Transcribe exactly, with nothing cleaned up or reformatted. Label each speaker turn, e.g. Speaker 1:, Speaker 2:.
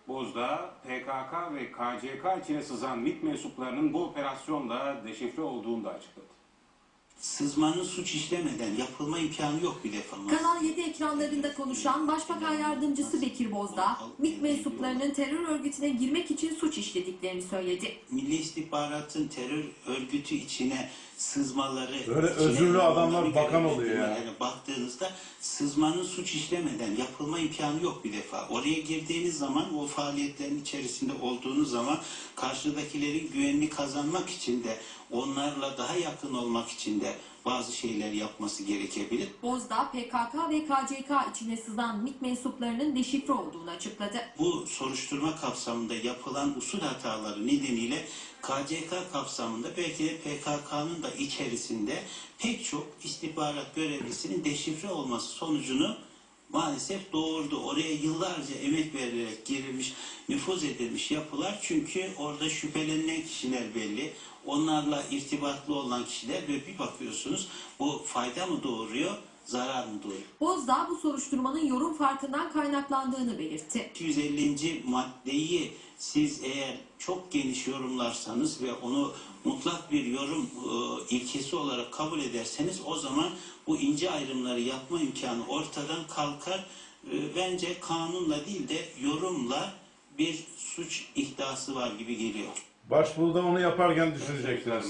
Speaker 1: Bozda, P K K ve K C K içine sızan MİT mensuplarının bu operasyonda deşifre olduğunu da açıkladı.
Speaker 2: Sızmanın suç işlemeden yapılma imkanı yok bir defa.
Speaker 3: Kanal yedi ekranlarında konuşan Başbakan Yardımcısı Bekir Bozdağ, MİT mensuplarının terör örgütüne girmek için suç işlediklerini söyledi.
Speaker 2: Milli İstihbarat'ın terör örgütü içine sızmaları...
Speaker 4: Böyle özürlü adamlar bakan oluyor ya.
Speaker 2: Yani baktığınızda sızmanın suç işlemeden yapılma imkanı yok bir defa. Oraya girdiğiniz zaman, o faaliyetlerin içerisinde olduğunuz zaman karşıdakilerin güvenini kazanmak için de, onlarla daha yakın olmak için de bazı şeyler yapması gerekebilir.
Speaker 3: Bozdağ, P K K ve K C K içine sızan MİT mensuplarının deşifre olduğunu açıkladı.
Speaker 2: Bu soruşturma kapsamında yapılan usul hataları nedeniyle K C K kapsamında belki de P K K'nın da içerisinde pek çok istihbarat görevlisinin deşifre olması sonucunu maalesef doğurdu. Oraya yıllarca emek verilerek girilmiş, nüfuz edilmiş yapılar, çünkü orada şüphelenilen kişiler belli. Onlarla irtibatlı olan kişiler ve bir bakıyorsunuz bu fayda mı doğuruyor, zarar mı doğuruyor?
Speaker 3: Bozdağ bu soruşturmanın yorum farkından kaynaklandığını belirtti.
Speaker 2: iki yüz ellinci maddeyi siz eğer çok geniş yorumlarsanız ve onu mutlak bir yorum e, ilkesi olarak kabul ederseniz, o zaman bu ince ayrımları yapma imkanı ortadan kalkar. E, bence kanunla değil de yorumla bir suç iddiası var gibi geliyor.
Speaker 4: Başbuğda onu yaparken düşünecekler.